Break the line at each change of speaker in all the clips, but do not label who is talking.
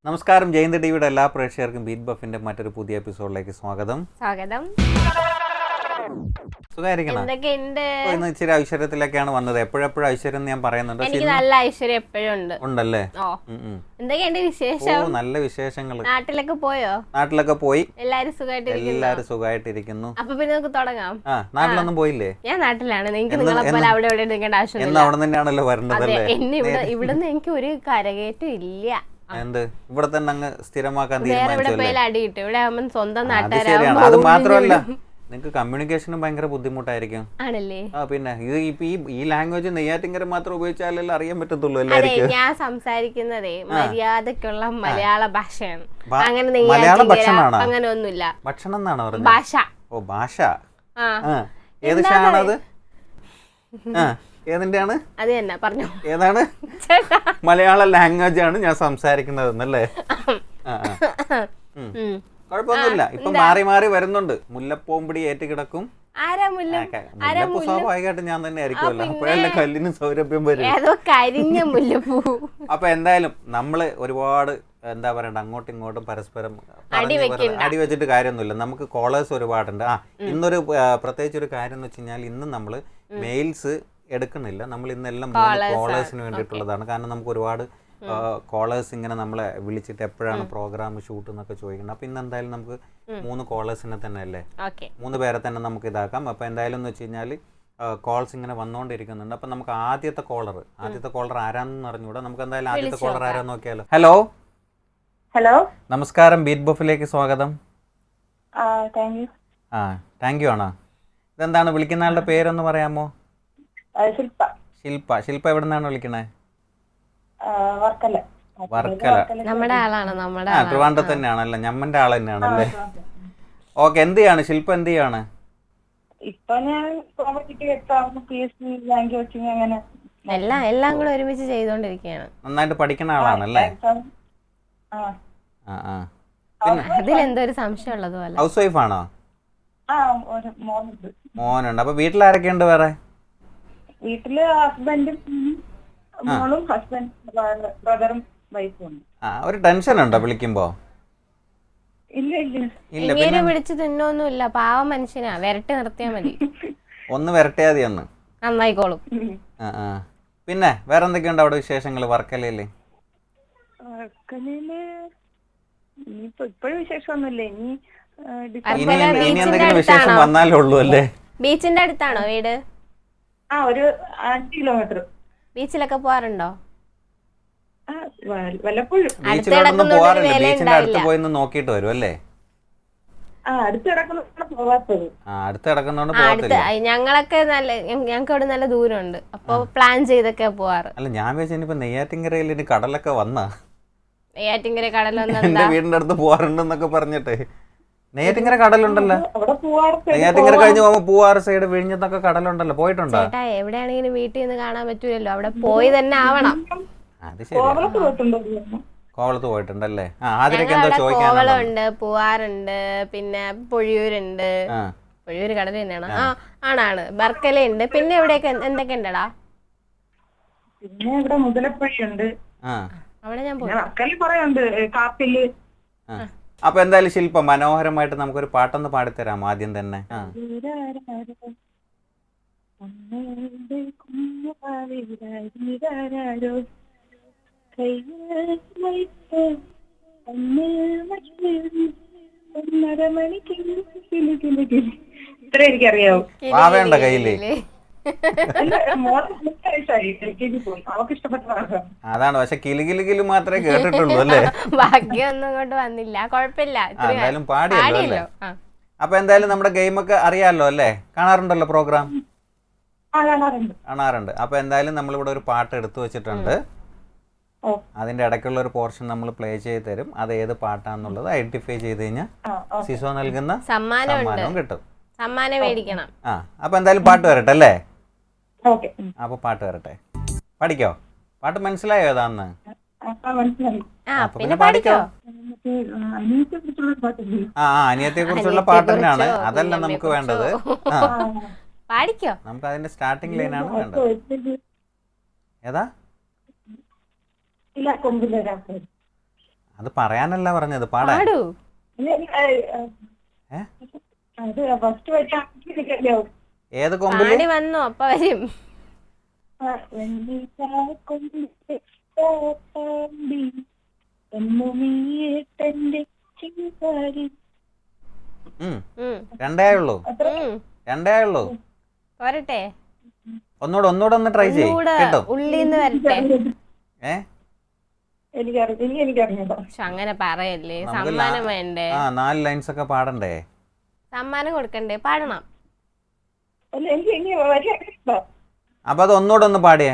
നമസ്കാരം. ജയന്ത് ടിവിയുടെ എല്ലാ പ്രേക്ഷകർക്കും ബീറ്റ് ബഫിന്റെ മറ്റൊരു പുതിയ എപ്പിസോഡിലേക്ക് സ്വാഗതം. ഇന്ന് ഇച്ചിരി ഐശ്വര്യത്തിലേക്കാണ് വന്നത്. എപ്പോഴെപ്പോഴും ഐശ്വര്യം ഞാൻ പറയുന്നുണ്ട്.
നല്ല ഐശ്വര്യം എപ്പോഴും
ഉണ്ടല്ലേ?
നല്ല
വിശേഷങ്ങൾ.
നാട്ടിലൊക്കെ പോയോ?
നാട്ടിലൊക്കെ പോയി.
എല്ലാരും
സുഖമായിട്ടിരിക്കുന്നു.
അപ്പൊ പിന്നെ നമുക്ക് തുടങ്ങാം.
നാട്ടിലൊന്നും പോയില്ലേ?
ഞാൻ നാട്ടിലാണ്. നിങ്ങൾക്ക് നിങ്ങളെ പോലെ അവിടെ ഇവിടെ നിൽക്കേണ്ട ആവശ്യം.
അവിടെ തന്നെയാണല്ലോ വരേണ്ടതല്ലേ?
ഇവിടുന്ന് എനിക്ക് ഒരു കരകയറ്റം ഇല്ല.
എന്ത് ഇവിടെ തന്നെ അങ്ങ് സ്ഥിരമാക്കാൻ
തീരുമാനിച്ചു. സ്വന്തം നാട്ടുകാർ.
അത് മാത്രമല്ല, നിങ്ങൾക്ക് കമ്മ്യൂണിക്കേഷനും ഭയങ്കര ബുദ്ധിമുട്ടായിരിക്കും.
ആണല്ലേ?
പിന്നെ ഇത് ഇപ്പൊ ഈ ലാംഗ്വേജ് നെയ്യാറ്റിൻകര മാത്രം ഉപയോഗിച്ചാലല്ലേ അറിയാൻ പറ്റത്തുള്ളൂ എല്ലാവർക്കും.
ഞാൻ സംസാരിക്കുന്നതേ മര്യാദക്കുള്ള മലയാള ഭാഷയാണ്. അങ്ങനെ
മലയാള ഭക്ഷണമാണോ?
അങ്ങനെ ഒന്നുമില്ല.
ഭക്ഷണം എന്നാണോ പറഞ്ഞത്?
ഭാഷ.
ഓ, ഭാഷ. ഏത് ഷാണത്? ഏതിന്റെയാണ്?
അത് തന്നെ പറഞ്ഞു.
ഏതാണ്? മലയാള ലാംഗ്വേജ് ആണ് ഞാൻ സംസാരിക്കുന്നത് എന്നല്ലേ? കുഴപ്പമൊന്നുമില്ല. ഇപ്പൊ മാറി മാറി വരുന്നുണ്ട്. മുല്ലപ്പോമ്പടി ഏറ്റുകിടക്കും. മുല്ലപ്പൂ സ്വാഭാവികമായിട്ട് ഞാൻ തന്നെ ആയിരിക്കുമല്ലോ. അപ്പോഴല്ലേ കല്ലിന് സൗരഭ്യം വരും. അപ്പൊ എന്തായാലും നമ്മള് ഒരുപാട് എന്താ പറയണ്ട, അങ്ങോട്ടും ഇങ്ങോട്ടും പരസ്പരം അടി വെച്ചിട്ട് കാര്യമൊന്നുമില്ല. നമുക്ക് കോളേഴ്സ് ഒരുപാടുണ്ട്. ഇന്നൊരു പ്രത്യേകിച്ച് ഒരു കാര്യം എന്ന് വെച്ച് കഴിഞ്ഞാൽ, ഇന്ന് നമ്മള് മെയിൽസ് എടുക്കുന്നില്ല. നമ്മൾ ഇന്നെല്ലാം കോളേഴ്സിന് വേണ്ടിയിട്ടുള്ളതാണ്. കാരണം നമുക്ക് ഒരുപാട് കോളേഴ്സ് ഇങ്ങനെ നമ്മളെ വിളിച്ചിട്ട് എപ്പോഴാണ് പ്രോഗ്രാം ഷൂട്ട് എന്നൊക്കെ ചോദിക്കുന്നത്. അപ്പൊ ഇന്ന് എന്തായാലും നമുക്ക് 3 കോളേഴ്സിനെ തന്നെ അല്ലേ, 3 പേരെ തന്നെ നമുക്ക് ഇതാക്കാം. അപ്പൊ എന്തായാലും എന്ന് വെച്ച് കഴിഞ്ഞാല് കോൾസ് ഇങ്ങനെ വന്നുകൊണ്ടിരിക്കുന്നുണ്ട്. അപ്പൊ നമുക്ക് ആദ്യത്തെ കോളർ ആരാന്ന് അറിഞ്ഞൂടാ. നമുക്ക് എന്തായാലും ആദ്യത്തെ കോളർ ആരാന്ന് നോക്കിയാലോ. ഹലോ, നമസ്കാരം. ബീറ്റ് ബഫിലേക്ക് സ്വാഗതം. താങ്ക് യു ആണോ? ഇതെന്താണ് വിളിക്കുന്ന ആളുടെ പേരൊന്ന് പറയാമോ? ശില്പ എവിടെ നിന്നാണ് വിളിക്കണേ?
വർക്കല. നമ്മുടെ ആളാണ്.
ട്രിവാൻഡ്രത്ത് തന്നെയാണല്ലേ? ഞമ്മന്റെ ആൾ തന്നെയാണല്ലേ? ഓക്കെ. എന്ത് ചെയ്യാണ് ശില്പ? എന്ത് ചെയ്യാണ്
ഇപ്പൊ? ഞാൻ
എല്ലാം കൂടെ ഒരുമിച്ച് ചെയ്തോണ്ടിരിക്കുകയാണ്.
നന്നായിട്ട് പഠിക്കുന്ന ആളാണല്ലേ?
അതിലെന്തോ ഒരു സംശയം ഉള്ളത് പോലെ.
ഹൗസ് വൈഫ് ആണോ? മോനുണ്ട്. അപ്പൊ വീട്ടിലാരൊക്കെ ഉണ്ട് വേറെ?
വീട്ടില് ഹസ്ബൻഡും മോളും ബ്രദറും വൈഫും ഉണ്ട്.
ഒരു ടെൻഷൻ ഉണ്ടോ വിളിക്കുമ്പോ?
ഇങ്ങനെ വിളിച്ച് തിന്നൊന്നുമില്ല. പാവ മനുഷ്യനാ. വരട്ടി നിർത്തിയാ മതി.
ഒന്ന് വരട്ടിയാ മതി. ഒന്ന്
നന്നായിക്കോളും.
പിന്നെ വേറെ എന്തൊക്കെയുണ്ട് അവിടെ വിശേഷങ്ങള് വർക്കലയില്?
ഇപ്പോഴും വിശേഷമൊന്നുമില്ല.
ഇനി എന്തെങ്കിലും വിശേഷം വന്നാലേ ഉള്ളൂ അല്ലേ?
ബീച്ചിന്റെ അടുത്താണോ വീട്?
ഒരു 5 കിലോമീറ്റർ.
ബീച്ചിലൊക്കെ പോവാറുണ്ടോ?
വല്ലപ്പോഴും.
ബീച്ചിലോട്ടൊന്നും പോവാറില്ല. ബീച്ചിന്റെ അടുത്ത് പോയി നോക്കിട്ട് വരും അല്ലേ?
അടുത്ത്
കിടക്കുന്നോണ്ട് പോകത്തില്ല.
ഞങ്ങളൊക്കെ ഞങ്ങൾക്ക് അവിടെ നല്ല ദൂരമുണ്ട്. അപ്പൊ പ്ലാൻ ചെയ്തൊക്കെ പോവാറ്.
അല്ല, ഞാൻ വിചാരിച്ചു നെയ്യാറ്റിൻകരയിൽ ഇനി കടലൊക്കെ വന്നാ.
നെയ്യാറ്റിൻകര കടലൊന്നും
എന്റെ വീടിന്റെ അടുത്ത് പോവാറുണ്ടെന്നൊക്കെ പറഞ്ഞിട്ട്. നെയ്യാറ്റിൻകര കടലുണ്ടല്ലോ. നെയ്യാറ്റിൻകര കഴിഞ്ഞ് പോകുമ്പോ പൂവാറ് സൈഡ് വിഴിഞ്ഞത്തൊക്കെ കടലുണ്ടല്ലോ. പോയിട്ടുണ്ടോ?
എവിടെയാണെങ്കിലും വീട്ടിൽ നിന്ന് കാണാൻ പറ്റൂലല്ലോ. അവിടെ പോയി തന്നെ ആവണം.
അത് ശരി. കോവളത്ത് പോയിട്ടുണ്ടല്ലേ? ആദ്യമൊക്കെ എന്തോ ചോദിക്കാൻ.
കോവളമുണ്ട്, പൂവാറുണ്ട്, പിന്നെ പൊഴിയൂരുണ്ട്. പൊഴിയൂര് കടൽ തന്നെയാണ്. ആണാണ്. ബർക്കലുണ്ട്. പിന്നെ എവിടെയൊക്കെ എന്തൊക്കെ ഉണ്ടടാ?
പിന്നെ ഇവിടെ മുതലപ്പുഴയുണ്ട്.
അവിടെ ഞാൻ പോയി.
അപ്പൊ എന്തായാലും ശില്പ, മനോഹരമായിട്ട് നമുക്കൊരു പാട്ടൊന്ന് പാടിത്തരാം ആദ്യം തന്നെ.
ഇത്ര എനിക്കറിയാവൂ.
പാവേണ്ട കയ്യില്. അതാണ്. പക്ഷെ കിലുകിലുകില് മാത്രമേ കേട്ടിട്ടുള്ളൂ അല്ലേ?
ബാക്കിയൊന്നും ഇങ്ങോട്ട് വന്നില്ല. കുഴപ്പമില്ല.
എന്തായാലും പാടിയല്ലോ. അപ്പൊ എന്തായാലും നമ്മുടെ ഗെയിമൊക്കെ അറിയാലോ അല്ലേ? കാണാറുണ്ടല്ലോ പ്രോഗ്രാം? കാണാറുണ്ട്. അപ്പൊ എന്തായാലും നമ്മളിവിടെ ഒരു പാട്ട് എടുത്തു വെച്ചിട്ടുണ്ട്. അതിന്റെ ഇടയ്ക്കുള്ള ഒരു പോർഷൻ നമ്മൾ പ്ലേ ചെയ്ത് തരും. അത് ഏത് പാട്ടാന്നുള്ളത് ഐഡന്റിഫൈ ചെയ്ത് കഴിഞ്ഞാൽ സിസോ നൽകുന്ന സമ്മാനവും കിട്ടും.
സമ്മാനം മേടിക്കണം.
അപ്പൊ എന്തായാലും പാട്ട് വരട്ടെ അല്ലേ? അപ്പൊ പാട്ട് വരട്ടെ. പഠിക്കോ? പാട്ട് മനസ്സിലായോ ഏതാന്ന്?
പിന്നെ പഠിക്കോ?
അനിയത്തെ കുറിച്ചുള്ള പാട്ട് തന്നെയാണ്. അതല്ല നമുക്ക് വേണ്ടത്.
പാടിക്കോ?
നമുക്ക് അതിന്റെ സ്റ്റാർട്ടിംഗ് ലൈനാണ് വേണ്ടത്. ഏതാ? അത് പറയാനല്ല പറഞ്ഞത്, പാടാൻ.
പാടൂ.
ഏ?
അത് ഫസ്റ്റ് പഠിക്കാൻ എനിക്കറിയാവും.
ഏത് കൊമ്പില്?
പാടി വന്നോ അപ്പ വരും.
രണ്ടേ ഉള്ളൂ, രണ്ടേ ഉള്ളൂ.
പോരട്ടെ,
ഒന്നുകൂടെ ഒന്ന് ട്രൈ ചെയ്യ് കേട്ടോ.
ഉള്ളിന്ന് വരട്ടെ.
എനിക്കറിഞ്ഞോ.
പക്ഷെ അങ്ങനെ പറയല്ലേ, സമ്മാനം വേണ്ടേ?
4 ലൈൻസ് ഒക്കെ പാടണ്ടേ?
സമ്മാനം കൊടുക്കണ്ടേ, പാടണം.
അപ്പൊ അത് ഒന്നുകൂടെ ഒന്ന് പാടിയേ.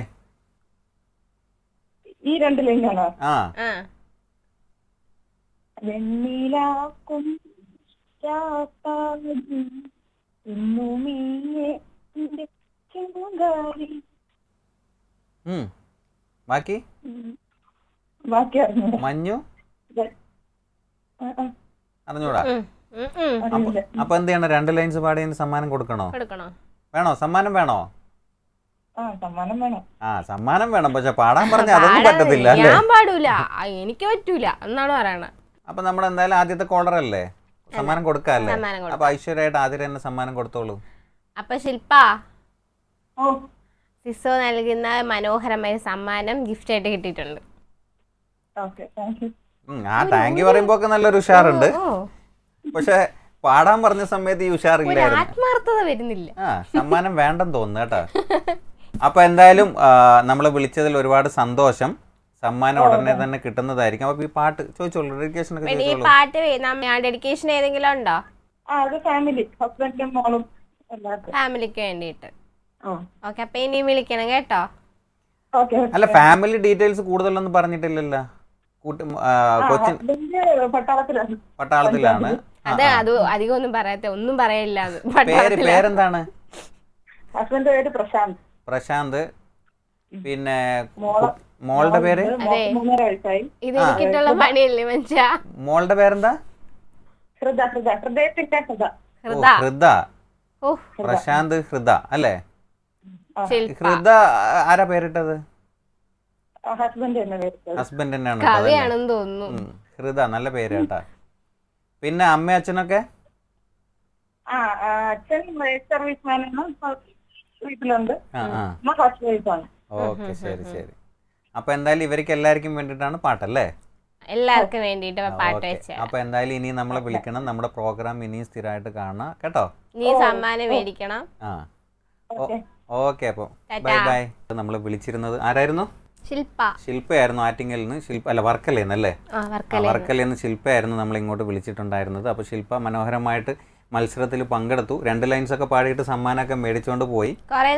ഈ 2 ലൈനാണോ?
ആ
വെണ്ണിലാക്കും
ബാക്കി
ബാക്കി അറിഞ്ഞോ?
മഞ്ഞു അറിഞ്ഞൂടാ. അപ്പൊ എന്ത് ചെയ്യണം? 2 ലൈൻസ് പാടിയതിന് സമ്മാനം കൊടുക്കണോ? വേണോ? സമ്മാനം വേണോ?
സമ്മാനം വേണം.
സമ്മാനം വേണം, പക്ഷെ പാടാൻ പറഞ്ഞ അതൊന്നും പറ്റത്തില്ല.
ഞാൻ പാടൂല, എനിക്ക് പറ്റൂല എന്നാണ് പറയണത്.
അപ്പൊ നമ്മൾ എന്തായാലും ആദ്യത്തെ കോളർ അല്ലേ, സമ്മാനം കൊടുക്കാല്ലേ. അപ്പൊ ഐശ്വര്യമായിട്ട് ആദ്യം തന്നെ സമ്മാനം കൊടുത്തോളൂ.
അപ്പൊ ശില്പ, സിസോ നൽകുന്ന മനോഹരമായ സമ്മാനം ഗിഫ്റ്റ് ആയിട്ട് കിട്ടിയിട്ടുണ്ട്.
താങ്ക് യു പറയുമ്പോ നല്ലൊരു ഉഷാറുണ്ട്, പക്ഷെ പാടാൻ പറഞ്ഞ സമയത്ത് ഈ ഉഷാറില്ലായിരുന്നു.
ആത്മാർത്ഥത വരുന്നില്ല.
സമ്മാനം വേണ്ടെന്ന് തോന്നുന്നു കേട്ടോ. അപ്പൊ എന്തായാലും നമ്മളെ വിളിച്ചതിൽ ഒരുപാട് സന്തോഷം. സമ്മാനം ഉടനെ തന്നെ കിട്ടുന്നതായിരിക്കും. അപ്പൊ ഈ പാട്ട് ചോദിച്ചോളൂ, ഡെഡിക്കേഷൻ ഒക്കെ
ഈ പാട്ട് ഡെഡിക്കേഷൻ ഏതെങ്കിലും ഉണ്ടോ? ഫാമിലിക്ക് വേണ്ടിയിട്ട്. ഓക്കെ, അപ്പൊ ഇനി വിളിക്കണം കേട്ടോ.
അല്ല, ഫാമിലി ഡീറ്റെയിൽസ് കൂടുതലൊന്നും പറഞ്ഞിട്ടില്ലല്ലോ. കൊച്ചിൻ പട്ടാളത്തിലാണ്.
അത് അധികം ഒന്നും പറയാത്ത, ഒന്നും പറയില്ല.
പേരെന്താണ്?
ഹസ്ബൻഡിന്റെ പേര് പ്രശാന്ത്.
പ്രശാന്ത്. പിന്നെ മോളുടെ പേര്?
ഇത് എനിക്കിട്ടുള്ള പണിയല്ലേ മനുഷ്യ.
മോളുടെ പേരെന്താ? ഹൃദ. പ്രശാന്ത് ഹൃദ അല്ലേ? ഹൃദ ആരാ പേരിട്ടത്? ഹസ്ബൻഡ് തന്നെയാണ്.
കവിയാണെന്ന് തോന്നുന്നു.
ഹൃദ, നല്ല പേര് കേട്ടാ. പിന്നെ അമ്മ അച്ഛനൊക്കെ?
അച്ഛൻ സർവീസ്മാനാണ്, വീട്ടിലുണ്ട്.
ഓക്കെ, ശരി ശരി. അപ്പൊ എന്തായാലും ഇവർക്ക് എല്ലാവർക്കും വേണ്ടിയിട്ടാണ് പാട്ടല്ലേ?
എല്ലാവർക്കും വേണ്ടിട്ട് പാട്ട് വെച്ച.
അപ്പൊ എന്തായാലും ഇനി നമ്മളെ വിളിക്കണം, നമ്മുടെ പ്രോഗ്രാം ഇനിയും സ്ഥിരമായിട്ട് കാണാം കേട്ടോ.
നീ സമ്മാനം മേടിക്കണം.
ഓക്കെ, അപ്പൊ ബൈ ബൈ. നമ്മളെ വിളിച്ചിരുന്നത് ആരായിരുന്നു? ശില്പയായിരുന്നു. ആറ്റിങ്ങലിൽ നിന്ന് വർക്കലേന്നല്ലേ? വർക്കലയിൽ നിന്ന് ശില്പയായിരുന്നു നമ്മൾ ഇങ്ങോട്ട് വിളിച്ചിട്ടുണ്ടായിരുന്നത്. അപ്പോൾ ശില്പ മനോഹരമായിട്ട് മത്സരത്തിൽ പങ്കെടുത്തു. 2 ലൈൻസ് ഒക്കെ പാടിയിട്ട് സമ്മാനമൊക്കെ മേടിച്ചുകൊണ്ട് പോയി.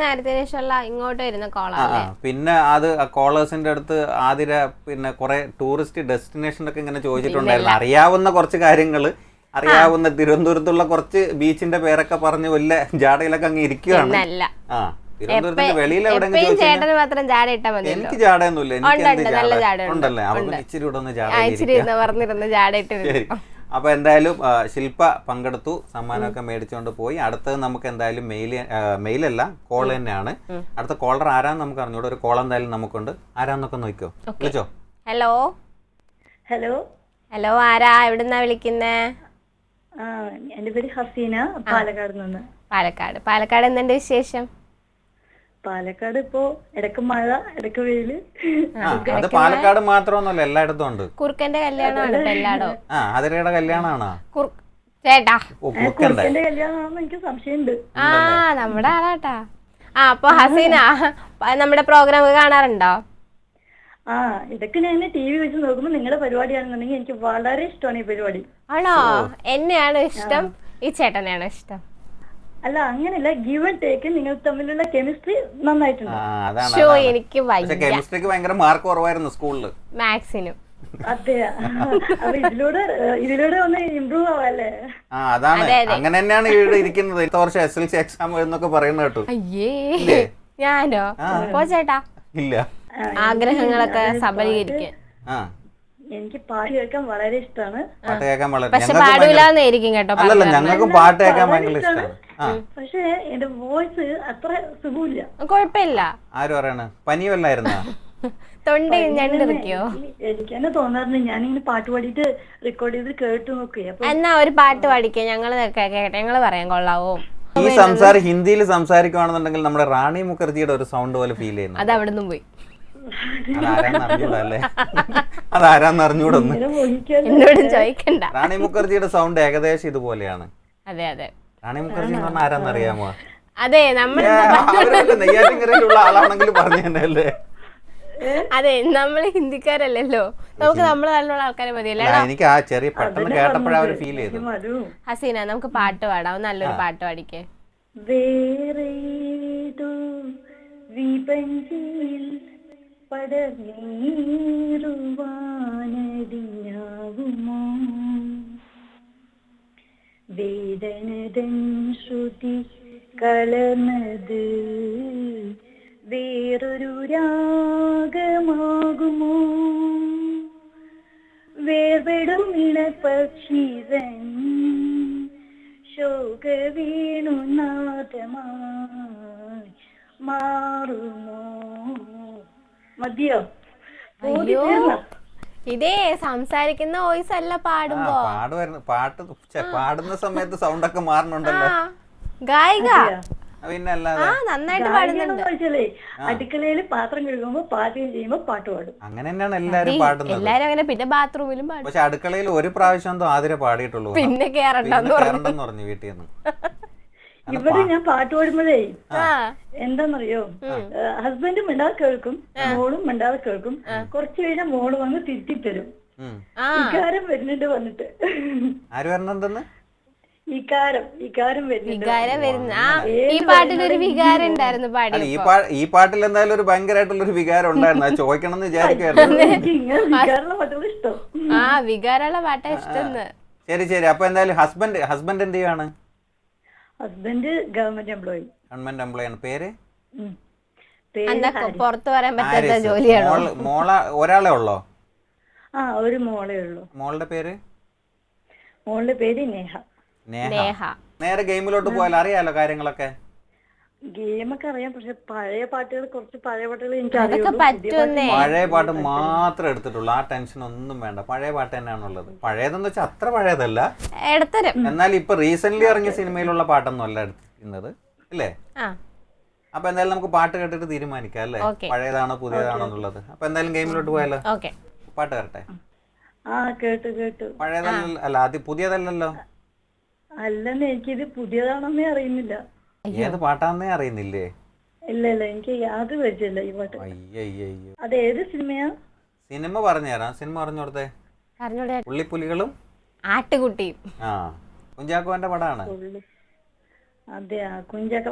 പിന്നെ അത് കോളേഴ്സിന്റെ അടുത്ത് ആതിര പിന്നെ കുറെ ടൂറിസ്റ്റ് ഡെസ്റ്റിനേഷനൊക്കെ ഇങ്ങനെ ചോദിച്ചിട്ടുണ്ടായിരുന്നു. അറിയാവുന്ന കുറച്ച് കാര്യങ്ങൾ, അറിയാവുന്ന തിരുവനന്തപുരത്തുള്ള കുറച്ച് ബീച്ചിന്റെ പേരൊക്കെ പറഞ്ഞ് വലിയ ജാടയിലൊക്കെ അങ്ങ് ഇരിക്കുകയാണ്. തിരുവനന്തപുരത്തിന്റെ വെളിയിൽ എവിടെയെങ്കിലും എനിക്ക് ജാടയൊന്നുമില്ല, എനിക്ക് ഉണ്ടല്ലേ, അവർക്ക് ഇച്ചിരി കൂടെ ഒന്ന് ജാട. അപ്പൊ എന്തായാലും ശില്പ പങ്കെടുത്തു, സമ്മാനമൊക്കെ മേടിച്ചുകൊണ്ട് പോയി. അടുത്തത് നമുക്ക് എന്തായാലും മെയിലല്ല, കോൾ തന്നെയാണ്. അടുത്ത കോളർ ആരാന്ന് നമുക്ക് അറിഞ്ഞൂടെ. ഒരു കോൾ എന്തായാലും നമുക്കുണ്ട്. ആരാന്നൊക്കെ നോക്കിയോ, വിളിച്ചോ.
ഹലോ
ഹലോ
ഹലോ, ആരാ, എവിടുന്നാ വിളിക്കുന്നേ?
എന്റെ പേര് ഹസീന, പാലക്കാട് നിന്ന്.
പാലക്കാട് എന്തുണ്ട് വിശേഷം?
പാലക്കാട് ഇപ്പോ ഇടക്ക് മഴ, ഇടക്ക് വെയില്.
അത് പാലക്കാട് മാത്രമൊന്നുമല്ല, എല്ലായിടത്തും ഉണ്ട്.
കുറുക്കന്റെ കല്യാണമാണ് എല്ലായിടവും.
അതിരയുടെ കല്യാണമാണോ
ചേട്ടാ?
കുറുക്കന്റെ കല്യാണമാണെന്ന് എനിക്ക് സംശയമുണ്ട്.
നമ്മുടെ ആളാട്ടാ. അപ്പൊ ഹസീന, നമ്മുടെ പ്രോഗ്രാം കാണാറുണ്ടോ?
ഇതൊക്കെ ഞാൻ TV വെച്ച് നോക്കുമ്പോ നിങ്ങളുടെ പരിപാടിയാണെന്നുണ്ടെങ്കിൽ എനിക്ക് വളരെ ഇഷ്ടമാണ് ഈ പരിപാടി.
ആണോ? എന്നെയാണ് ഇഷ്ടം, ഈ ചേട്ടനെയാണോ ഇഷ്ടം?
അല്ല, അങ്ങനെയല്ല, ഗിവ് ആൻഡ് ടേക്ക്, നിങ്ങൾ തമ്മിലുള്ള കെമിസ്ട്രി നന്നായിട്ടുണ്ട്.
എനിക്ക്
കെമിസ്ട്രിക്ക് ഭയങ്കര മാർക്ക് കുറവായിരുന്നു സ്കൂളില്,
മാത്സിനും.
അതെ, അപ്പൊ ഇതിലൂടെ ഒന്ന് ഇമ്പ്രൂവ് ആവാല്ലേ?
അതാണ്, അങ്ങനെ തന്നെയാണ് ഇവിടെ ഇരിക്കുന്നത്. ഇത്ര വർഷം SLC എക്സാം എന്നൊക്കെ പറയുന്നത് കേട്ടു.
അയ്യേ, ഞാനോ? പോ ചേട്ടാ,
ഇല്ല,
ആഗ്രഹങ്ങളൊക്കെ സബലീകരിക്കാൻ.
എനിക്ക് പാട്ട് കേൾക്കാൻ വളരെ ഇഷ്ടമാണ്.
പാട്ട് കേൾക്കാൻ
പക്ഷെ പാടൂലെന്നായിരിക്കും കേട്ടോ.
അല്ലല്ല, ഞങ്ങൾക്കും പാട്ട് കേൾക്കാൻ ഭയങ്കര ഇഷ്ടമാണ്.
പക്ഷെ എന്റെ വോയിസ് അത്ര സുഖമില്ല.
കുഴപ്പമില്ല.
ആര് പറയണ? പനി വല്ലായിരുന്ന?
തൊണ്ട ഞണ്ടിറിക്കോ?
എനിക്ക് തന്നെ തോന്നാറുണ്ട്, ഞാനിങ്ങനെ പാട്ട് പാടിയിട്ട് റെക്കോർഡ് ചെയ്ത് കേട്ടു നോക്കുക. അപ്പൊ
എന്നാ ഒരു പാട്ട് പാടിക്കേ, ഞങ്ങള് കേട്ടെ, ഞങ്ങള് പറയാൻ കൊള്ളാവോ?
ഈ ഹിന്ദിയിൽ സംസാരിക്കുകയാണെന്നുണ്ടെങ്കിൽ നമ്മുടെ റാണി മുഖർജിയുടെ ഒരു സൗണ്ട് പോലെ ഫീൽ ചെയ്യുന്നു.
അത് അവിടെ നിന്നും പോയി.
അതാരാന്നറിഞ്ഞൂടല്ലേ? അതാരാന്നറിഞ്ഞൂടൊന്ന്
എന്നോട് ചോദിക്കണ്ട.
റാണി മുഖർജിയുടെ സൗണ്ട് ഏകദേശം ഇതുപോലെയാണ്.
അതെ അതെ.
റാണി മുഖർജി എന്ന് പറഞ്ഞാൽ ആരാന്നറിയാമോ?
അതെ, നമ്മൾ
നെയ്യാറ്റിൻകരയിലുള്ള ആളാണെങ്കിൽ പറഞ്ഞു തന്നെയല്ലേ.
അതെ, നമ്മള് ഹിന്ദിക്കാരല്ലല്ലോ, നമുക്ക് നമ്മള് നല്ലുള്ള ആൾക്കാരെ മതിയല്ലേ.
എനിക്ക് ആ ചെറിയ പെട്ടെന്ന് കേട്ടപ്പോഴാ ഒരു ഫീൽ ചെയ്തു.
ഹസീന, നമുക്ക് പാട്ട് പാടാം, നല്ലൊരു പാട്ട് പാടിക്കേ.
വേറേതോ വിപഞ്ചിയിൽ പടർന്നീറുവാനടിഞ്ഞാകുമോ വേദനതൻ ശ്രുതി കലർന്നത് വേറൊരു രാഗമാകുമോ വേർപെടും ഇണപക്ഷിതൻ ശോക വേണുനാഥമായി മാറുമോ? മതിയോ?
അയ്യോ, ഇതേ സംസാരിക്കുന്ന വോയിസ് അല്ല പാടുമ്പോ.
പാടുന്ന സമയത്ത് സൗണ്ട് ഒക്കെ മാറുന്നുണ്ടല്ലോ.
ഗായിക
പിന്നല്ലാതെ
നന്നായിട്ട് പാടുന്നുണ്ട്.
അടുക്കളയിൽ പാത്രം കഴുകുമ്പോ പാചകം ചെയ്യുമ്പോ പാട്ട് പാടും.
അങ്ങനെ തന്നെയാണ് എല്ലാരും പാടുന്നത്.
എല്ലാരും അങ്ങനെ, പിന്നെ ബാത്റൂമിലും പാടും.
പക്ഷെ അടുക്കളയിൽ ഒരു പ്രാവശ്യം ആതിരെ പാടിയിട്ടുള്ളൂ,
പിന്നെ കേറണ്ടെന്ന്
പറഞ്ഞു വീട്ടിൽ നിന്ന്.
ഇവിടെ ഞാൻ പാട്ട് പാടുമ്പോഴേ എന്താന്നറിയോ, ഹസ്ബൻഡും മിണ്ടാതെ കേൾക്കും, മോളും മിണ്ടാതെ കേൾക്കും. കുറച്ചു കഴിഞ്ഞാൽ മോള് വന്ന് തിരുത്തിത്തരും. വികാരം വരുന്നുണ്ട് വന്നിട്ട്.
ആര് വരണെന്തെന്ന്?
വികാരം
വരുന്ന ഈ പാട്ടിലൊരു വികാരം ഉണ്ടായിരുന്നു പാടി.
ഈ പാട്ടിൽ എന്തായാലും ഒരു ഭയങ്കരമായിട്ടുള്ള ഒരു വികാരം ഉണ്ടായിരുന്നു. അത് ചോദിക്കണം എന്ന് വിചാരിക്കുവായിരുന്നു.
ഇഷ്ടം.
വികാരമുള്ള പാട്ടാ ഇഷ്ടം.
ശരി ശരി. അപ്പൊ എന്തായാലും ഹസ്ബൻഡ് എന്ത് ചെയ്യാണ്?
ഹസ്ബൻഡ് ഗവൺമെന്റ് എംപ്ലോയി ആണ്.
പേര്?
പുറത്ത് പറയാൻ പറ്റാത്ത ജോലിയാണോ?
ഒരാളെ ഉള്ളോ?
ഒരു മോളേ ഉള്ളൂ.
മോളുടെ പേര്?
മോളുടെ പേര് നേഹ.
നേരെ ഗെയിമിലോട്ട് പോയാൽ അറിയാലോ കാര്യങ്ങളൊക്കെ.
ഗെയിമൊക്കെ അറിയാം, പക്ഷെ പഴയ പാട്ടുകൾ എനിക്ക്
പഴയ പാട്ട് മാത്രമേ എടുത്തിട്ടുള്ളൂ. ആ ടെൻഷൻ ഒന്നും വേണ്ട, പഴയ പാട്ട് തന്നെയാണുള്ളത്. പഴയതെന്ന് വെച്ചാൽ അത്ര പഴയതല്ല, എന്നാൽ ഇപ്പൊ റീസെന്റ് ഇറങ്ങിയ സിനിമയിലുള്ള പാട്ടൊന്നും അല്ല എടുക്കുന്നത്, അല്ലേ? അപ്പൊ എന്തായാലും നമുക്ക് പാട്ട് കേട്ടിട്ട് തീരുമാനിക്കാം, അല്ലേ? പഴയതാണോ പുതിയതാണോ എന്നുള്ളത്. അപ്പൊ എന്തായാലും ഗെയിമിലോട്ട് പോയാലോ? പാട്ട് കേട്ടെ.
കേട്ടു.
പഴയതല്ല, അല്ല അത് പുതിയതല്ലല്ലോ.
അല്ലെന്ന് എനിക്കിത് പുതിയതാണെന്നേ അറിയുന്നില്ല.
ഏത് പാട്ടാന്നേ അറിയുന്നില്ലേ?
ഇല്ല എനിക്ക് യാതൊരു പരിചയമില്ല ഈ പാട്ട്.
അയ്യോ,
അത് ഏത് സിനിമയാ?
സിനിമ പറഞ്ഞുതരാം. സിനിമ പറഞ്ഞോടത്തെ. പുള്ളിപ്പുലികളും
ആട്ടുകുട്ടിയും.
കുഞ്ചാക്കോന്റെ പടമാണ്.
അതെയാ, കുഞ്ചാക്ക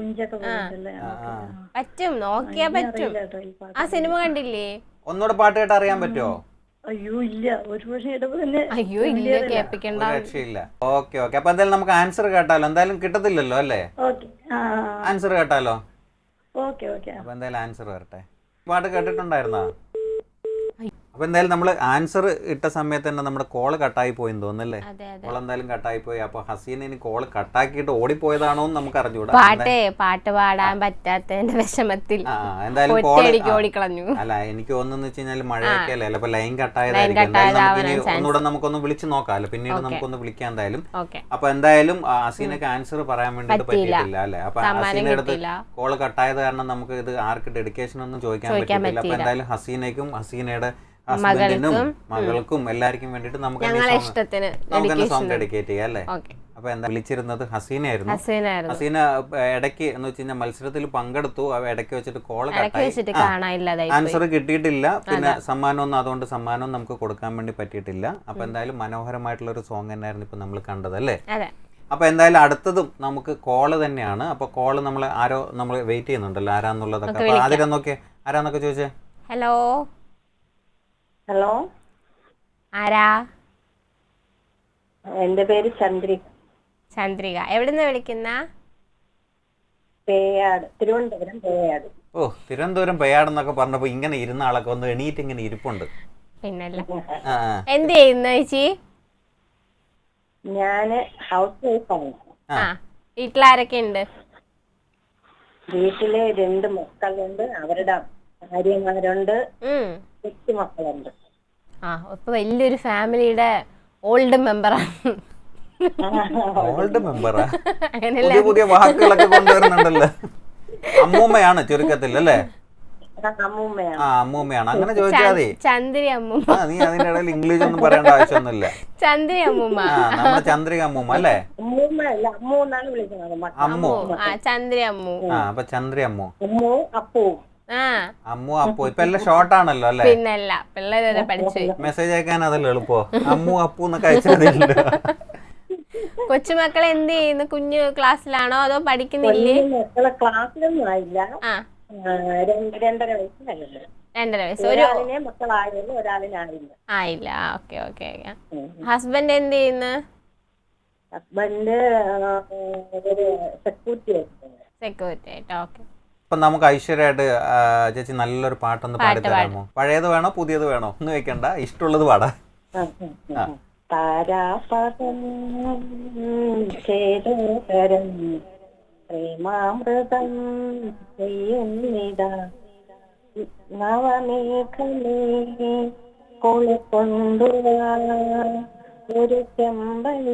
പറ്റും, നോക്കിയാ പറ്റും. ആ സിനിമ കണ്ടില്ലേ?
ഒന്നുകൂടെ പാട്ട് കേട്ട് അറിയാൻ പറ്റുമോ?
അയ്യോ ഇല്ല, ഒരു പക്ഷേ തന്നെ.
അയ്യോ ഇല്ല, കേൾപ്പിക്കണ്ട.
രക്ഷയില്ല. ഓക്കെ. അപ്പൊ എന്തായാലും നമുക്ക് ആൻസർ കേട്ടാലോ? എന്തായാലും കിട്ടത്തില്ലല്ലോ, അല്ലേ? ആൻസർ കേട്ടാലോ? അപ്പൊ എന്തായാലും ആൻസർ വരട്ടെ. പാട്ട് കേട്ടിട്ടുണ്ടായിരുന്നോ? അപ്പൊ എന്തായാലും നമ്മള് ആൻസർ ഇട്ട സമയത്ത് തന്നെ നമ്മുടെ കോള് കട്ടായി പോയെന്ന് തോന്നുന്നല്ലേ? കോൾ എന്തായാലും കട്ടായി പോയി. അപ്പൊ ഹസീന ഇനി കോള് കട്ടാക്കിയിട്ട് ഓടിപ്പോയതാണോ എന്ന് നമുക്ക് അറിഞ്ഞൂടാ.
പാട്ട് പാടാൻ പറ്റാത്തതിന്റെ വിഷമത്തിൽ
എന്തായാലും
ഓടിക്കളഞ്ഞു.
അല്ല, എനിക്ക് തോന്നുന്നു വെച്ച് കഴിഞ്ഞാൽ മഴയൊക്കെ അല്ലേ, അപ്പൊ ലൈൻ കട്ടായതായിരിക്കും. ഒന്നുകൂടെ നമുക്കൊന്ന് വിളിച്ചു നോക്കാമല്ലോ, പിന്നീട് നമുക്കൊന്ന് വിളിക്കാം എന്തായാലും. അപ്പൊ എന്തായാലും ഹസീനക്ക് ആൻസർ പറയാൻ വേണ്ടിട്ട് പറ്റിയിട്ടില്ല, അല്ലെ? അപ്പൊ ഹസീനയുടെ അടുത്ത് കോള് കട്ടായത് കാരണം നമുക്ക് ഇത് ആർക്ക് ഡെഡിക്കേഷൻ ഒന്നും ചോദിക്കാൻ പറ്റിയിട്ടില്ല. അപ്പൊ എന്തായാലും ഹസീനയ്ക്കും ഹസീനയുടെ ഹസ്ബൻഡിനും മകൾക്കും എല്ലാവർക്കും വേണ്ടിട്ട് നമുക്ക് സോങ് ഡെഡിക്കേറ്റ് ചെയ്യാം, അല്ലേ? അപ്പൊ എന്താ വിളിച്ചിരുന്നത് ഹസീനയായിരുന്നു. ഹസീന ഇടയ്ക്ക് എന്ന് വെച്ച് കഴിഞ്ഞാൽ മത്സരത്തിൽ പങ്കെടുത്തു. ഇടയ്ക്ക് വെച്ചിട്ട് കോള് കട്ടായി, ആൻസർ കിട്ടിയിട്ടില്ല. പിന്നെ സമ്മാനമൊന്നും, അതുകൊണ്ട് സമ്മാനം നമുക്ക് കൊടുക്കാൻ വേണ്ടി പറ്റിയിട്ടില്ല. അപ്പൊ എന്തായാലും മനോഹരമായിട്ടുള്ള ഒരു സോങ് തന്നെയായിരുന്നു ഇപ്പൊ നമ്മൾ കണ്ടത്, അല്ലേ? അപ്പൊ എന്തായാലും അടുത്തതും നമുക്ക് കോള് തന്നെയാണ്. അപ്പൊ കോള് നമ്മൾ വെയിറ്റ് ചെയ്യുന്നുണ്ടല്ലോ, ആരാന്നുള്ളതൊക്കെ. അപ്പൊ ആദ്യം നോക്കിയേ, ആരാന്നൊക്കെ ചോദിച്ചേ.
ഹലോ
ഹലോ,
ആരാ?
എന്റെ പേര്
ചന്ദ്രിക. എവിടുന്ന് വിളിക്കുന്ന?
തിരുവനന്തപുരം പേയാട്.
ഓ, തിരുവനന്തപുരം പേയാട് എന്നൊക്കെ പറഞ്ഞപ്പോ ഇങ്ങനെ ഇരുന്ന ആളൊക്കെ ഒന്ന് എണീറ്റ് ഇങ്ങനെ ഇരിപ്പുണ്ട്.
പിന്നല്ല, എന്ത് ചെയ്യുന്നു ചേച്ചി?
ഞാന് ഹൗസ് വൈഫാണ്.
വീട്ടിലാരൊക്കെ ഉണ്ട്?
വീട്ടില് 2 മക്കളുണ്ട്. അവരുടെ ഭാര്യമാരുണ്ട്,
ഉം.
കൊച്ചുമക്കളുണ്ട്.
ആ ഇപ്പൊ വലിയൊരു ഫാമിലിയുടെ ഓൾഡ് മെമ്പറാണ്.
ഓൾഡ് മെമ്പറാ?
അങ്ങനെയല്ല,
പുതിയ പുതിയ വാക്കുകളൊക്കെ കൊണ്ടുവരുന്നുണ്ടല്ലോ. അമ്മൂമ്മയാണ് ചുരുക്കത്തിൽ അല്ലേ?
അമ്മൂമ്മയാണ്.
ആ അമ്മൂമ്മയാണ്. അങ്ങനെ ചോദിച്ചാൽ മതി.
ചന്ദ്രി അമ്മൂമ്മ.
ആ നീ അതിന്റെ ഇടയിൽ ഇംഗ്ലീഷ് ഒന്നും പറയേണ്ട ആവശ്യമൊന്നുമില്ല.
ചന്ദ്രി അമ്മൂമ്മ.
ആ നമ്മുടെ ചന്ദ്രിക അമ്മൂമ്മ അല്ലേ?
അമ്മൂമ്മയല്ല, അമ്മു എന്നാണ് വിളിക്കുന്നത്.
അമ്മു.
ആ ചന്ദ്രി അമ്മു.
ആ അപ്പൊ ചന്ദ്രി അമ്മു.
അമ്മു അപ്പു.
ആ
അമ്മു അപ്പു ഇപ്പൊ എല്ലാം ഷോർട്ടാണല്ലോ അല്ലേ?
പിന്നല്ല, പിള്ളേര് വരെ പഠിച്ചു.
മെസ്സേജ് അയക്കാൻ അതല്ലേ എളുപ്പോ? അമ്മു അപ്പു എന്നൊക്കെ അയച്ചതില്ല.
കൊച്ചുമക്കളെ എന്ത് ചെയ്യുന്നു? കുഞ്ഞു ക്ലാസ്സിലാണോ അതോ പഠിക്കുന്നില്ലേ?
മക്കളെ ക്ലാസ്സിലൊന്നും ആയില്ല.
ആ
2.5 വയസ്സായല്ലോ.
2.5 വയസ്സ്.
ഒരാളിനെ മക്കളായല്ലോ, ഒരാളിനായില്ല.
ആയില്ല. Okay okay. ഹസ്ബൻഡ് എന്ത് ചെയ്യുന്നു?
ഹസ്ബൻഡ് ഒരു സെക്യൂരിറ്റി ആയിരുന്നു.
സെക്യൂരിറ്റി ആയിട്ട്. ഓക്കെ.
ഇപ്പൊ നമുക്ക് ഐശ്വര്യമായിട്ട് ചേച്ചി നല്ലൊരു പാട്ടൊന്ന് പാടി തരാമോ? പഴയത് വേണോ പുതിയത് വേണോ? ഒന്നും വെക്കണ്ട, ഇഷ്ടമുള്ളത് പാടാ.
താരാപദം ചേതോകരം പ്രേമാമൃതം ചെയ്യുന്നിതാ നവമേഘമേ കൊളുകൊണ്ടുവാ ഒരു ചെമ്പനീ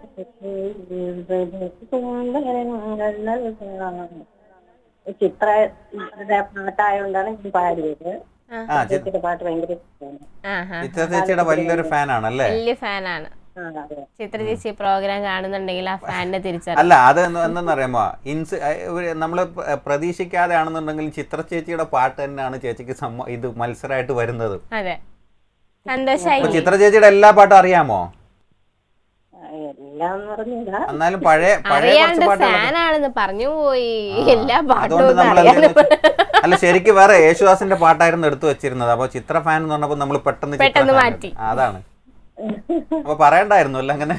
സുന്ദരങ്ങൾ നൽകാം. ചിത്രയുടെ പാട്ടായോണ്ടാണ് ഞാൻ പാടിയത്. ചിത്രയുടെ പാട്ട് ഭയങ്കര ഇഷ്ടമാണ്.
ചിത്ര ചേച്ചിയുടെ വലിയൊരു ഫാനാണല്ലേ?
വലിയ ഫാനാണ് ചിത്ര ചേച്ചി. പ്രോഗ്രാം കാണുന്നുണ്ടെങ്കിൽ ആ ഫാനിനെ തിരിച്ചറിയാം.
അല്ല അത് എന്താണെന്നറിയാമോ, നമ്മള് പ്രതീക്ഷിക്കാതെ ആണെന്നുണ്ടെങ്കിൽ ചിത്ര ചേച്ചിയുടെ പാട്ട് തന്നെയാണ് ചേച്ചിക്ക് ഇത് മത്സരമായിട്ട് വരുന്നത്.
അതെ, സന്തോഷായി.
ചിത്ര ചേച്ചിയുടെ എല്ലാ പാട്ടും അറിയാമോ?
എല്ലാം പറഞ്ഞില്ല,
എന്നാലും പഴയ
അറിയാണ്ട് ഫാനാണെന്ന് പറഞ്ഞു പോയി. എല്ലാ പാട്ടും
അല്ല ശരിക്കും വേറെ യേശുദാസിന്റെ പാട്ടായിരുന്നു എടുത്തു വെച്ചിരുന്നത്. അപ്പൊ ചിത്ര ഫാൻ എന്ന് പറഞ്ഞപ്പോ നമ്മൾ പെട്ടെന്ന്
മാറ്റി.
അതാണ്. അപ്പൊ പറയണ്ടായിരുന്നു അല്ല അങ്ങനെ.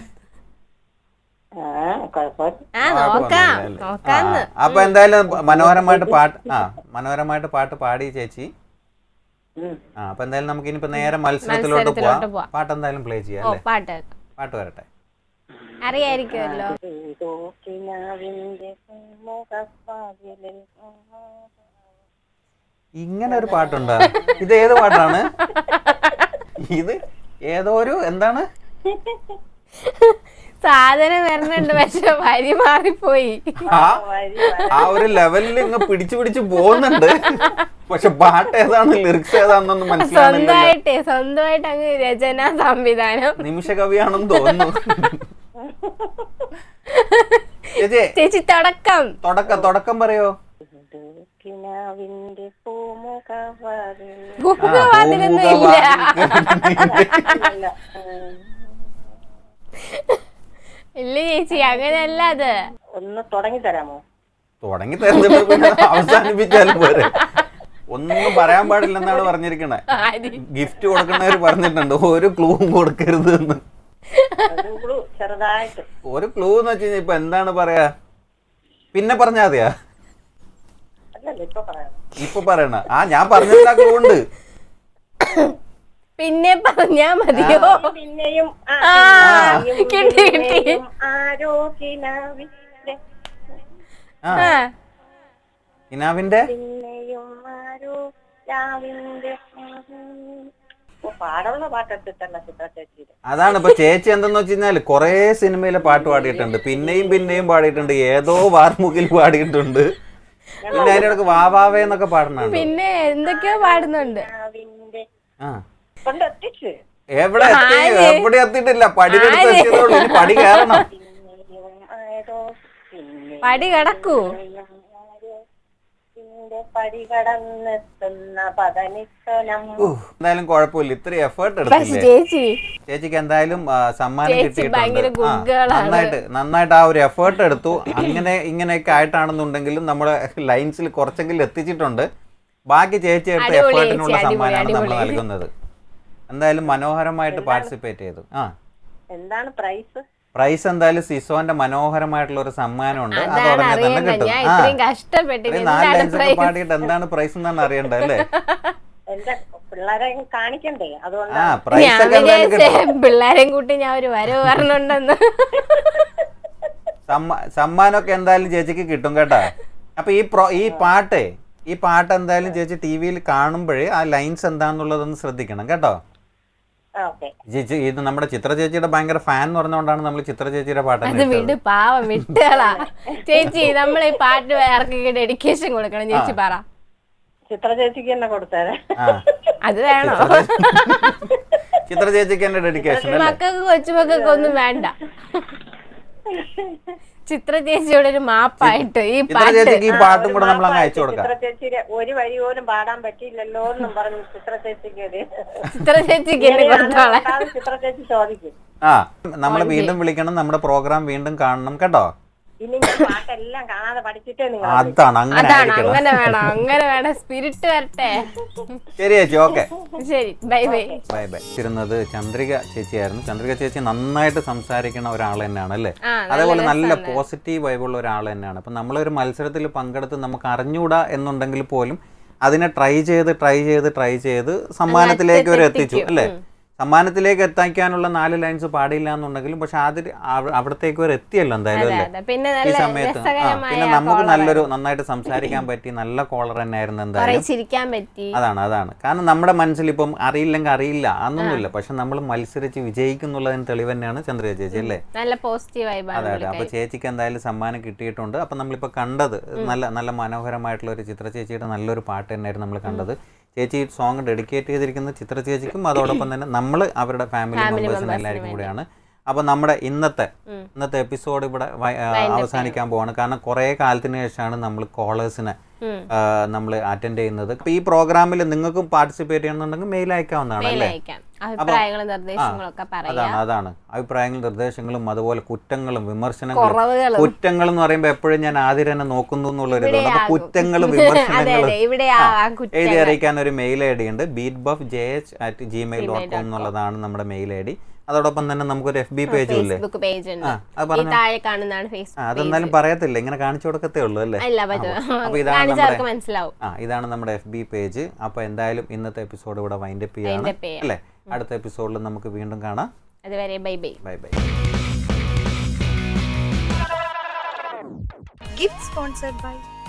അപ്പൊ എന്തായാലും മനോഹരമായിട്ട് പാട്ട് പാടി ചേച്ചി. അപ്പൊ എന്തായാലും നമുക്ക് ഇനിയിപ്പോ നേരെ മത്സരത്തിലോട്ട് പോവാം. പാട്ട് എന്തായാലും പ്ലേ ചെയ്യാം അല്ലേ? പാട്ട് വരട്ടെ.
അറിയായിരിക്കുമല്ലോ.
ഇങ്ങനെ ഒരു പാട്ടുണ്ടോ? ഇത് ഏത് പാട്ടാണ്? ഇത് ഏതോ ഒരു എന്താണ്
സാധനം വരുന്നുണ്ട്, പക്ഷെ വരി മാറിപ്പോയി.
ആ ഒരു ലെവലിൽ ഇങ്ങ് പിടിച്ചു പോകുന്നുണ്ട്. പക്ഷെ പാട്ട് ഏതാണ്, ലിറിക്സ് ഏതാണെന്നൊന്നും മനസ്സിലാവുന്നില്ല.
സ്വന്തമായിട്ട് അങ്ങ് രചനാ സംവിധാനം.
നിമിഷ കവിയാണെന്ന് തോന്നുന്നു.
ചേച്ചി
തുടക്കം പറയോ?
പൂമുഖവാതിലൊന്നും ഇല്ല. ഇല്ല ചേച്ചി, അങ്ങനെയല്ല. അത്
ഒന്ന് തുടങ്ങി തരാമോ?
തുടങ്ങി തരുന്നിട്ട് പിന്നെ അവസാനിപ്പിച്ചാലും പോരെ. ഒന്നും പറയാൻ പാടില്ലെന്നാണ് പറഞ്ഞിരിക്കണേ. ഗിഫ്റ്റ് കൊടുക്കുന്നവര് പറഞ്ഞിട്ടുണ്ട് ഒരു ക്ലൂവും കൊടുക്കരുത് എന്ന്.
ചെറുതായിട്ട്
ഒരു ക്ലൂ എന്ന് വെച്ച് കഴിഞ്ഞാൽ ഇപ്പൊ എന്താണ് പറയാ? പിന്നെ പറഞ്ഞാ മതിയാ? ഇപ്പൊ പറയണ ഞാൻ പറഞ്ഞില്ല ക്ലൂ ഉണ്ട്.
പിന്നെ പറഞ്ഞാ മതിയോ?
പിന്നെയും
കിട്ടി കിട്ടി.
ഇനാവിന്റെ
പാടുള്ള പാട്ടെടുത്തിട്ടല്ല ചിത്ര ചേച്ചി.
അതാണ് ഇപ്പൊ ചേച്ചി എന്തെന്ന് വെച്ച് കഴിഞ്ഞാല് കൊറേ സിനിമയിലെ പാട്ട് പാടിയിട്ടുണ്ട്, പിന്നെയും പാടിയിട്ടുണ്ട്, ഏതോ വാർമുകിൽ പാടിയിട്ടുണ്ട്, പിന്നെ അതിന്റെ ഇടയ്ക്ക് വാവാവേ എന്നൊക്കെ പാടുന്നുണ്ട്,
പിന്നെ എന്തൊക്കെയോ പാടുന്നുണ്ട്.
എവിടെ എത്തിയിട്ടില്ല, പടിയെടുത്ത് എത്തിയതുള്ളൂ. ഇനി പടി കയറണം.
പടി കടക്കൂ.
എന്തായാലും കുഴപ്പമില്ല, ഇത്രയും എഫേർട്ട് എടുത്തില്ലേ ചേച്ചിക്ക്. എന്തായാലും സമ്മാനം കിട്ടിയിട്ടുണ്ട്. നന്നായിട്ട് ആ ഒരു എഫേർട്ട് എടുത്തു. ഇങ്ങനെയൊക്കെ ആയിട്ടാണെന്നുണ്ടെങ്കിലും നമ്മുടെ ലൈൻസിൽ കുറച്ചെങ്കിലും എത്തിച്ചിട്ടുണ്ട്. ബാക്കി ചേച്ചി എടുത്ത എഫേർട്ടിനുള്ള സമ്മാനമാണ് നമ്മൾ നൽകുന്നത്. എന്തായാലും മനോഹരമായിട്ട് പാർട്ടിസിപ്പേറ്റ് ചെയ്തു.
എന്താണ് പ്രൈസ്?
പ്രൈസ് എന്തായാലും സിസോന്റെ മനോഹരമായിട്ടുള്ള ഒരു സമ്മാനമുണ്ട്. അത് ഉടനെ തന്നെ കിട്ടും. 4 ലൈൻസ് ഒക്കെ പാടിയിട്ട് എന്താണ് പ്രൈസ് എന്നാണ് അറിയണ്ടേ അല്ലേ?
പിള്ളേരെയും കൂട്ടി ഞാൻ ഒരു വരവ് പറഞ്ഞുണ്ടെന്ന്.
സമ്മാനമൊക്കെ എന്തായാലും ചേച്ചിക്ക് കിട്ടും കേട്ടാ. അപ്പൊ ഈ പാട്ടേ ഈ പാട്ട് എന്തായാലും ചേച്ചി TV-യിൽ കാണുമ്പോഴേ ആ ലൈൻസ് എന്താണെന്നുള്ളതൊന്ന് ശ്രദ്ധിക്കണം കേട്ടോ. ചേച്ചി ഇത് നമ്മുടെ ചിത്ര ചേച്ചിയുടെ ഭയങ്കര ഫാൻ എന്ന് പറഞ്ഞുകൊണ്ടാണ് നമ്മൾ ചിത്ര ചേച്ചിയുടെ പാട്ട്
അത് വിട് പാവം വിട്ടുകളാ. ചേച്ചി നമ്മൾ ഈ പാട്ട് ആർക്കൊക്കെ ഡെഡിക്കേഷൻ കൊടുക്കണം ചേച്ചി പറ.
ചിത്ര ചേച്ചിക്ക് തന്നെ കൊടുത്തേരെ.
അത് വേണോ?
ചിത്ര ചേച്ചിക്ക് തന്നെ ഡെഡിക്കേഷൻ.
മക്കൾക്ക് കൊച്ചുമക്കൾക്ക് ഒന്നും വേണ്ട. ചിത്ര ചേച്ചിയുടെ ഒരു മാപ്പായിട്ട് ഈ
പാട്ടും കൂടെ നമ്മൾ അങ്ങ് അയച്ചു കൊടുക്കാം.
ചിത്ര ചേച്ചിയുടെ ഒരു വരി പോലും പാടാൻ പറ്റിയില്ലല്ലോ എന്നും പറഞ്ഞു ചിത്ര ചേച്ചിക്ക്
ചിത്ര ചേച്ചിക്ക്
ചിത്ര ചേച്ചി ചോദിക്കും.
നമ്മളെ വീണ്ടും വിളിക്കണം, നമ്മുടെ പ്രോഗ്രാം വീണ്ടും കാണണം കേട്ടോ.
ഇനി ഞാൻ പാട്ടെല്ലാം കാണാതെ പഠിച്ചിട്ടേ നിങ്ങൾ.
അതാണ്
അങ്ങനെ വേണം, സ്പിരിറ്റ് വരട്ടെ.
ശരി ചേച്ചി, ഓക്കെ
ശരി, ബൈ ബൈ.
Bye bye. ഇരുന്നത് ചന്ദ്രിക ചേച്ചിയായിരുന്നു. ചന്ദ്രിക ചേച്ചി നന്നായിട്ട് സംസാരിക്കുന്ന ഒരാൾ തന്നെയാണ് അല്ലേ, അതേപോലെ നല്ല പോസിറ്റീവ് വൈബുള്ള ഒരാൾ തന്നെയാണ്. അപ്പം നമ്മളൊരു മത്സരത്തിൽ പങ്കെടുത്ത് നമുക്ക് അറിഞ്ഞൂടാ എന്നുണ്ടെങ്കിൽ പോലും അതിനെ ട്രൈ ചെയ്ത് സമ്മാനത്തിലേക്ക് വരെ എത്തിച്ചു അല്ലേ. സമ്മാനത്തിലേക്ക് എത്തിക്കാനുള്ള 4 ലൈൻസ് പാടില്ല എന്നുണ്ടെങ്കിലും പക്ഷെ അവിടത്തേക്ക് വരെ എത്തിയല്ലോ എന്തായാലും അല്ലേ ഈ സമയത്ത്. പിന്നെ നമുക്ക് നന്നായിട്ട് സംസാരിക്കാൻ പറ്റി, നല്ല കോളർ തന്നെ ആയിരുന്നു എന്തായാലും. അതാണ് കാരണം നമ്മുടെ മനസ്സിൽ ഇപ്പം അറിയില്ലെങ്കിൽ അറിയില്ല അതൊന്നുമില്ല, പക്ഷെ നമ്മൾ മത്സരിച്ച് വിജയിക്കുന്നുള്ളതിന് തെളിവ് തന്നെയാണ് ചന്ദ്രിക ചേച്ചി അല്ലേ.
നല്ല പോസിറ്റീവ് വൈബ്.
അതെ. അപ്പൊ ചേച്ചിക്ക് എന്തായാലും സമ്മാനം കിട്ടിയിട്ടുണ്ട്. അപ്പൊ നമ്മളിപ്പോ കണ്ടത് നല്ല മനോഹരമായിട്ടുള്ള ഒരു ചിത്ര ചേച്ചിയുടെ നല്ലൊരു പാട്ട് തന്നെയായിരുന്നു നമ്മൾ കണ്ടത്. ചേച്ചി ഈ സോങ് ഡെഡിക്കേറ്റ് ചെയ്തിരിക്കുന്നത് ചിത്ര ചേച്ചിക്കും അതോടൊപ്പം തന്നെ നമ്മൾ അവരുടെ ഫാമിലി മെമ്പേഴ്സിനും എല്ലാവർക്കും കൂടെയാണ്. അപ്പോൾ നമ്മുടെ ഇന്നത്തെ എപ്പിസോഡ് ഇവിടെ അവസാനിക്കാൻ പോവാണ്. കാരണം കുറേ കാലത്തിന് ശേഷമാണ് നമ്മൾ കോളേഴ്സിനെ നമ്മൾ അറ്റൻഡ് ചെയ്യുന്നത്. അപ്പോൾ ഈ പ്രോഗ്രാമിൽ നിങ്ങൾക്കും പാർട്ടിസിപ്പേറ്റ് ചെയ്യണമെന്നുണ്ടെങ്കിൽ മെയിൽ അയക്കാവുന്നതാണ് അല്ലേ. അതാണ് അഭിപ്രായങ്ങളും നിർദ്ദേശങ്ങളും അതുപോലെ കുറ്റങ്ങളും വിമർശനങ്ങളും. കുറ്റങ്ങൾ എന്ന് പറയുമ്പോൾ എപ്പോഴും ഞാൻ ആദ്യം തന്നെ നോക്കുന്നു എന്നുള്ളൊരു ഇതുകൊണ്ട് കുറ്റങ്ങളും വിമർശനങ്ങളും എഴുതി അറിയിക്കാൻ ഒരു മെയിൽ id ഉണ്ട്. beatbuffjh@gmail.com എന്നുള്ളതാണ് നമ്മുടെ മെയിൽ id. അതോടൊപ്പം തന്നെ നമുക്കൊരു FB പേജും ഇല്ലേ. അതെന്നാലും പറയത്തില്ല, ഇങ്ങനെ കാണിച്ചു കൊടുക്കത്തേ ഉള്ളൂ അല്ലേ. അപ്പൊ ഇതാണ് നമ്മുടെ FB പേജ്. അപ്പൊ എന്തായാലും ഇന്നത്തെ എപ്പിസോഡ് ഇവിടെ വൈൻഡപ്പ് ചെയ്യാണ് അല്ലേ. അടുത്ത എപ്പിസോഡിൽ നമുക്ക് വീണ്ടും കാണാം.
അതുവരെ bye bye.
Gift sponsored by